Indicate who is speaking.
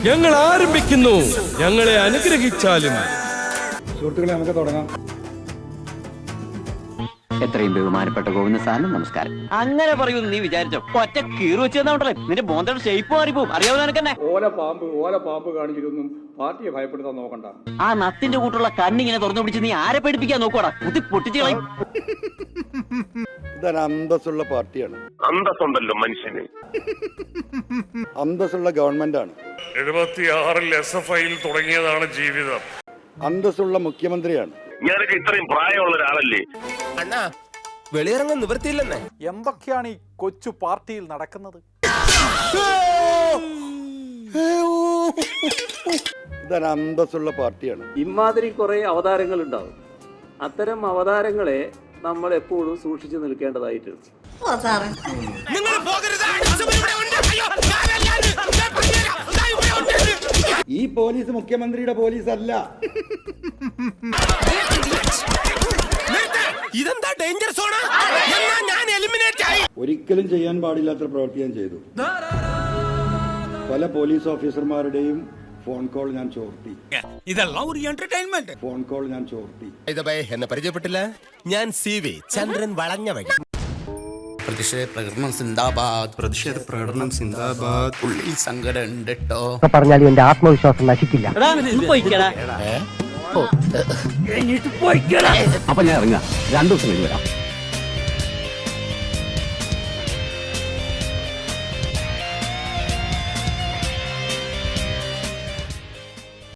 Speaker 1: ഞങ്ങൾ ആരംഭിക്കുന്നു. ഞങ്ങളെ അനുഗ്രഹിച്ചാലും.
Speaker 2: സുഹൃത്തുക്കളെ, നമുക്ക് തുടങ്ങാം.
Speaker 3: എത്രയും ബഹുമാനപ്പെട്ട ഗോവിന്ദ സാറിന് നമസ്കാരം. അങ്ങനെ പറയുമെന്ന് നീ വിചാരിച്ചോ? ഒറ്റ കീറി വെച്ചെന്നുണ്ടല്ലേ നിന്റെ ബോന്തയുടെ ഷേപ്പ് മാറിപ്പോവും. അറിയാവുന്ന നിനക്കെന്നെ.
Speaker 2: ഓല പാമ്പ് കാണിച്ചിട്ടൊന്നും പാർട്ടിയെ ഭയപ്പെടുത്താൻ നോക്കണ്ട.
Speaker 3: ആ നത്തിന്റെ കൂട്ടുള്ള കണ്ണിങ്ങനെ തുറന്നു പിടിച്ച് നീ ആരെ പഠിപ്പിക്കാൻ നോക്കോടാ? കുത്തി പൊട്ടിച്ചു കളയും.
Speaker 4: ഇതൊരു അന്തസ്സുള്ള പാർട്ടിയാണ്.
Speaker 5: അന്തസ്സുണ്ടല്ലോ മനുഷ്യന്.
Speaker 4: അന്തസ്സുള്ള ഗവൺമെന്റാണ്.
Speaker 5: 76 SFIയിൽ തുടങ്ങിയതാണ് ജീവിതം.
Speaker 4: അന്തസ്സുള്ള മുഖ്യമന്ത്രിയാണ്.
Speaker 5: ഞാനൊക്കെ ഇത്രയും പ്രായമുള്ള ഒരാളല്ലേ
Speaker 6: അണ്ണാ, വെളിയിറങ്ങാൻ നിവൃത്തിയില്ലെന്നേ.
Speaker 7: എന്തൊക്കെയാണ് ഈ കൊച്ചു പാർട്ടിയിൽ നടക്കുന്നത്?
Speaker 4: ഇതൊരു അന്തസ്സുള്ള പാർട്ടിയാണ്.
Speaker 8: ഇമാതിരി കുറെ അവതാരങ്ങൾ ഉണ്ടാവും. അത്തരം അവതാരങ്ങളെ നമ്മൾ എപ്പോഴും സൂക്ഷിച്ചു നിൽക്കേണ്ടതായിട്ടുണ്ട്.
Speaker 4: ഈ പോലീസ് മുഖ്യമന്ത്രിയുടെ പോലീസ് അല്ല.
Speaker 6: ഇതെന്താ ഡേഞ്ചർ സോണ? ഞാൻ എലിമിനേറ്റ് ആയി.
Speaker 4: ഒരിക്കലും ചെയ്യാൻ പാടില്ലാത്ത പ്രവൃത്തി ഞാൻ ചെയ്തു. പല പോലീസ് ഓഫീസർമാരുടെയും ഫോൺ കോൾ ഞാൻ ചോർത്തി.
Speaker 6: ഇതെല്ലാം ഒരു എന്റർടൈൻമെന്റ്.
Speaker 4: ഫോൺ കോൾ ഞാൻ ചോർത്തി.
Speaker 6: എന്നെ പരിചയപ്പെട്ടില്ല. ഞാൻ CV ചന്ദ്രൻ വളഞ്ഞ വഴി.
Speaker 9: പ്രതിഷേധ പ്രകടനം സിന്ദാബാദ്. ഉള്ളിൽ സങ്കടം ഉണ്ട് കേട്ടോ.
Speaker 3: പറഞ്ഞാലും എന്റെ ആത്മവിശ്വാസം നശിക്കില്ല. അപ്പൊ ഞാൻ ഇറങ്ങാം. 2 ദിവസം കഴിഞ്ഞ് വരാം.